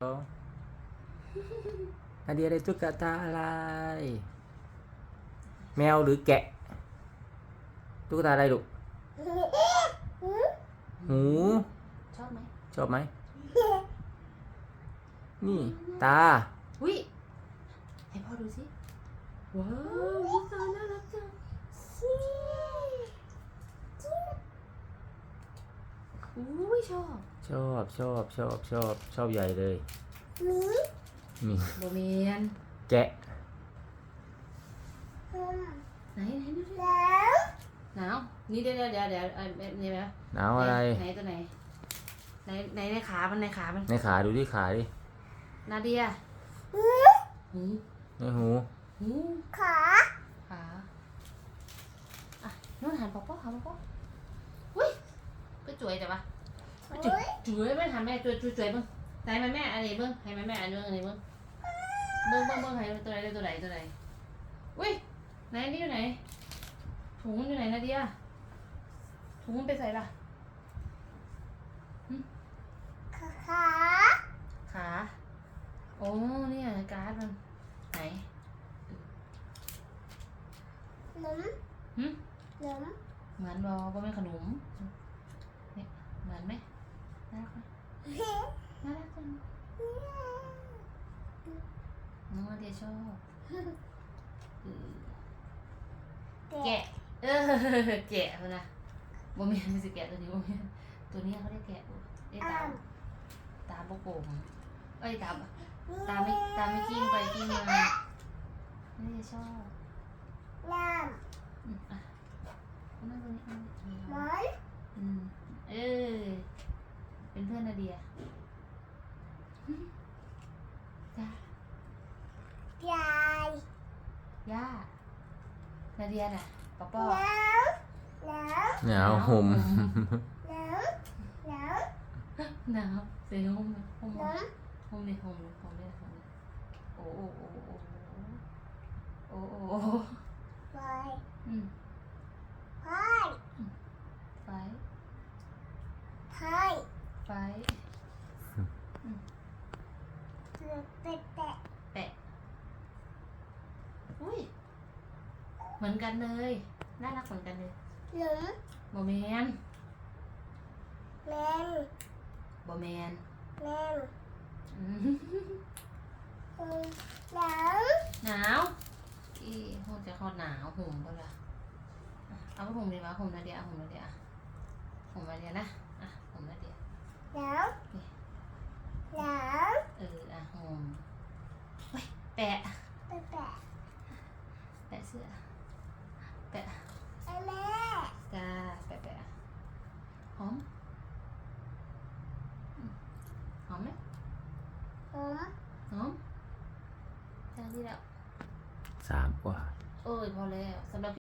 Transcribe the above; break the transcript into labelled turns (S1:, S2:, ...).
S1: นาเดียได้ตุ๊กตาอะไรแมวหรือแกะตุ๊กตาอะไรลูกหู
S2: ชอบไหม
S1: ชอบไหมนี่ตา
S2: อุ้ยให้พ่อดูสิว้าวตาน่ารักจังอุ้ยชอบ
S1: ชอบใหญ่เลยมี
S2: โบเมียน
S1: แกะ
S2: ไหนดูสิหนาวนี่เดี๋ยวนี่ไหม
S1: หนาวอะไร
S2: ไหนตัวไหนในขามันในขามัน
S1: ในขาดูที่ขาดิ
S2: นาเดียหู
S1: ในหู
S2: ขาอ่ะนู่นหันป๊อปป๊ออุ้ยก็จุ๋ยแต่ปะจุ๋ยไม่ทำแม่จุ๋ยเบิ้งไหนแม่อะไรเบิ้งให้แม่อันเบิ้งอะไรเบิ้งให้ตัวไหนอุ้ยไหนนี่อยู่ไหนถุงมันอยู่ไหนนาเดียถุงมันไปใส่ปะขาโอ้เนี่ยการ์ดมันไหนเหมือนบอไม่ขนมเนี่ยเหมือนไหมน่ารักไหมน่ารักจังน้องนาเดียชอบแกะแกะมันนะโมเมนต์สิแกะตัวนี้โมเมนต์ตัวนี้เขาได้แกะได้ตาโป่งเอ้ยตาไม่กิ้งไปกิ้งมาไม่ได้ชอบอ่ะนั่งตรงนี้เป็นเพื่อนนาเดียจ้าย่านาเดียน่ะป๊อป
S1: หนาวห่ม
S2: หนาวเสียงห่มเลยโอ้ไฟแปะอุ้ยเหมือนกันเลยน่ารักเหมือนกันเลยโมเมนหนาวอีห่มจะเขาหนาวห่มก็ละเอาห่มดีมั้ยห่มนาเดียห่มนาเดียนะอ่ะห่มนาเดียห่มเฮ้ยแปะเสื้อแปะจ้าแปะหอมไหมหอมจ้าที่แล้ว
S1: 3 กว่า
S2: พอแล้วสำหรับ